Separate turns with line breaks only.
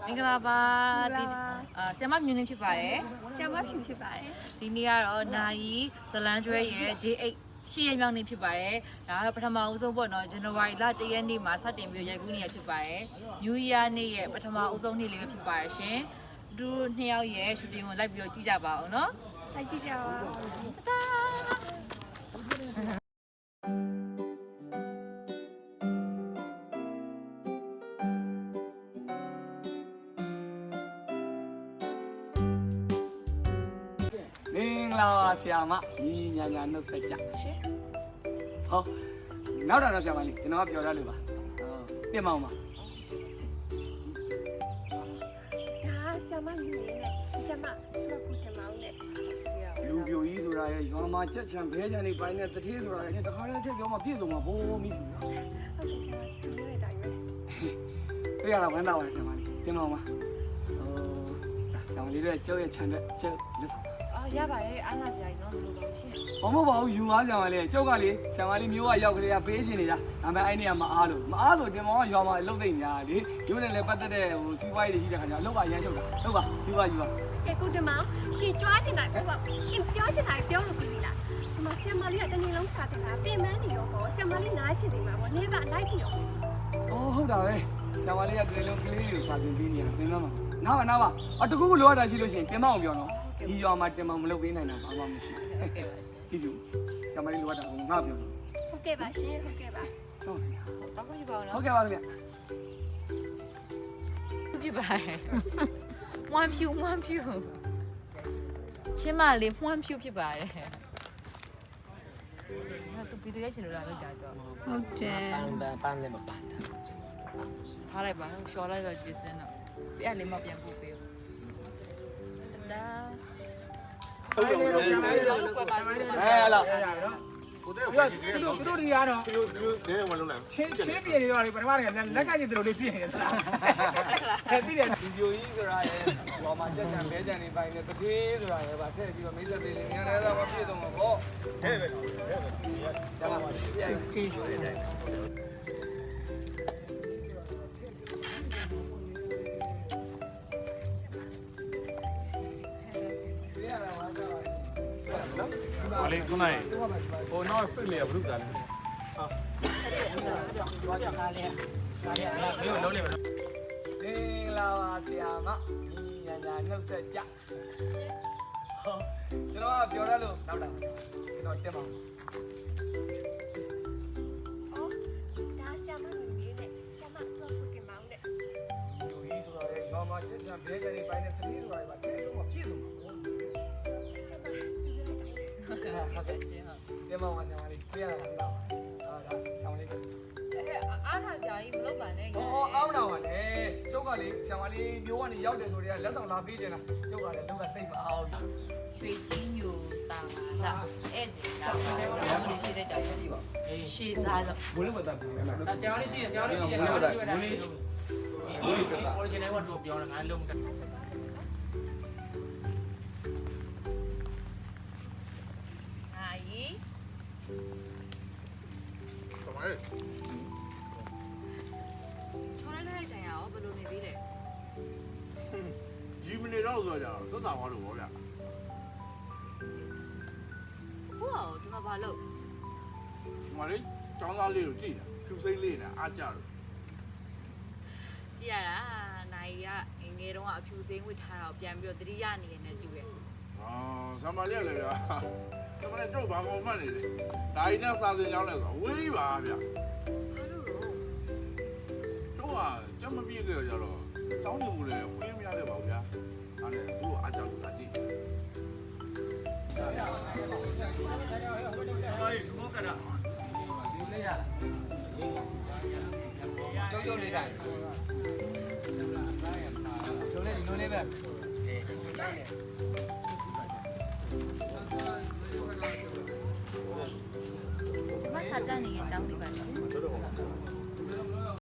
မင်္ဂလာပါဒီဆရာမမြူနင်းဖြစ်ပါတယ်
ဆရာမဖြူဖြစ်ပါတယ်
ဒီနေ့ကတော့နိုင်ဇလန်းကျွဲရဲ့ J8 ရှေ့ရမြောက်နေ့ဖြစ်ပါတယ်ဒါကတော့ပထမဦးဆုံးပေါ့နော် January လ1ရက်နေ့မှာစတင်ပြီးရိုက်ကူးနေရဖြစ်ပါတယ် New Year နေ့ရဲ့ပထမဦးဆုံးနေ့လေးပဲဖြစ်ပါတယ်ရှင်သူနှစ်ယောက်ရဲ့ shooting ကိုလိုက်ပြီးတော့ကြည့်ကြပါအောင်နော်
လိုက်ကြည့်ကြပါတာ
မင်္ဂလာပါဆရာမညီညာညာနှုတ်ဆက်ကြရှင်ဟောနောက်တော့ဆရာမလေးကျွန်တော်ကပြောရလို့ပါပြင်မအောင်ပါ
ဒါဆရာမမြင်နေဆရာမတော့ခုထမအောင်နဲ့
လူပြိုကြီးဆိုတာရဲ့ရွာမှာချက်ချံဘဲချံနေပိုင်းနဲ့တထေးဆိုတာရဲ့တခါတည်းထက်ပြောမှပြည့်စုံမှာဘိုးမိပြီနော်
ဟုတ်ကဲ့ဆရာမဒီလိုတိုင်းပဲ
တွေ့ရတာဝမ်းသာပါတယ်ဆရာမလေးပြင်မအောင်ပါဆရာမလေးတို့ကျုပ်ရဲ့ခြံတဲ့ကျုပ်လက်ဆောင်
ရပါတယ်အားလာစရာကြီးနော်လို့လို့ရှင်
ဘာမဟုတ်ပါဘူးယူပါဆရာမလေးကျုပ်ကလေဆရာမလေးမျိုးကရောက်ကြတဲ့ပေးချင်နေတာဒါပေမဲ့အဲ့နေရာမအားလို့မအားဆိုတင်မောကရွာမှာလှုပ်သိမ့်များလေမျိုးနဲ့လည်းပတ်သက်တဲ့စီးပွားရေးတွေရှိတဲ့ခါကျလှုပ်ပါရမ်းချုပ်တာလှုပ်ပါယူပါ
ကဲကုတမောင်ရှင်ကြွားချင်တာပြောပါရှင်ပြောချင်တာပြောလို့ပြီးပြီလားဒီမှာဆရာမလေးကတနေ့လုံးစားတယ်လားပြင်မန်းနေရောပေါ့ဆရာမလေးနားချင်တယ်မှာပေါ့နေပါလိုက်တယ်ရော
ဟုတ်တာပဲဆရာမလေးကတနေ့လုံးကလေးတွေကိုစာသင်ပေးနေတာသင်သားမှာနားပါတကူလိုရတာရှိလို့ရှိရင်ပြင်မအောင်ပြောနော်ဒီရွာမှာတင်မမလုပ်ပေးနိုင်တာဘာမှမရှိဘူးဒီလိုဆရာမလေးလိုရတာကိုငါပြောလို့
ဟုတ်ကဲ့ပါရှင်ဟုတ်ကဲ့ပါ
ဟုတ်ကဲ့
တောက်ကြည့်ပါဦးနော်
ဟုတ်ကဲ့ပါခင်ဗျ
ပြပါတယ်ဝမ်ဖြူချင်းမလေးဝမ်ဖြူဖြစ်ပါတယ်သူပြီးတဲ့ရှင်လိုလာလောက်ကြတော့
ဟုတ်တယ်
ပန်းလည်းမပန်းတာ
ထားလိုက်ပါရှော်လိုက်တော့ကျေးစင်းတော့ပြက်လေးမပြန်ပို့ပေးဒါ
ဟုတ်တယ်ဟုတ်တယ်လာ
ကိုတဲ့ကိုကြည့်ကြည့်တော့
တို့ဒီရတော့
သူနေဝင်လုံးလိုက်
ချင်းပြင်နေတော့လေပထမကလက်ကကြီးတို့လေးပြင်နေသလားအဲ့ဒီတဲ့ဒီပြိုကြီးဆိုတာရဲ့ဟောမှာချက်ချံဘဲချံနေပိုင်းနဲ့တတိဆိုတာရဲ့ဗာထည့်ပြီးတော့မိတ်ဆက်ပေးနေရတယ်တော့မပြည့်စုံတော့ဘော
ဟဲ့ပဲ
ဒါပါ60
ဘာလေးခုနိုင်ဟိုနောက်ဖိတ်လေဘုရားလေမျိုးလုံးနေမလို့
မင်္ဂလာပါဆရာမညီညာနှုတ်ဆက်ကြဟောကျွန်တော်ကပြောရလို့နောက်တာကျွန်တော်တက်ပါဦး
အော်ဒါဆရာမမြင်နေဆရာမတော့ခုတင်မောင်းတဲ့
လူကြီးဆိုတော့ရောမချက်ချံဘဲကြနေပိုင်းနဲ့တတိဆိုတာကတဲလုံးမပြည့်စုံဘူး
ဆရာမဒီလိုတိုင်း
ဟုတ်ကဲ့ရှင်ဟာတက်ပါဦးဆရာမလေးပြရတာလားဒါဆရာမလေး
အားထားကြကြီးမလုပ်ပါနဲ့
ဟောအားမနာပါနဲ့ကျုပ်ကလေဆရာမလေးမျိုးကနေရောက်တယ်ဆိုတော့လက်ဆောင်လာပေးနေတာကျုပ်ကလည်းလောက်ကတိတ်မအောင်
ရွှေကြီးညိုတာလာအဲ့ဒီလာဘယ်လိုရှိတဲ့တိုင်ရည်ပါရှေးစားတော့
ဘလို့မတတ်ဘူးနော်
ဆရာလေးကြည့်ဆရာလေးကြည့်ဆရာလေးကြည့်တယ်original ကတော့ပြောတယ်ငါလုံးတယ်
အာကြီး
ကမိုင်း
ထော်လိုက်တဲ့တိုင်ရောဘယ်လိုနေသေးလဲ
ဒီမနေတော့ဆိုကြတော့သက်သာသွားလို့ဗောဗျာ
ဟုတ်ဒီမှာဘာလို့
ဒီမှာလေចောင်းသားလေးကိုကြည့်တာဖြူစိမ့်လေးနဲ့အားကြတော့
ကြည့်ရတာနိုင်ကငယ်တုန်းကအဖြူစိမ့်ဝစ်ထားတော့ပြန်ပြီးတော့သတိရနေနေတူတယ်
ဆမ်မာလေးလည်းဗျာဆမ်မာလေးတော့ဘာကောင်းမှနေလေဒါကြီးနဲ့စာစင်ကြောင်းလဲဆိုဝေးပါဗျာ
ဘာလို့
တော့ကြမပြည့်ကြရတော့တောင်းနေမှုလဲဝေးမရခဲ့ပါဘူးဗျာအဲ့ဒါသူ့အားကြောင့်သာကြည့်အေးဒူကရာ
ဒီလေးရ
ကျုပ်လေးတိုင်း
ကျုပ်လေးဒီလိုလေးပဲ
မဆတ်တန်နေတဲ့အကြောင်းလေးပါရှင်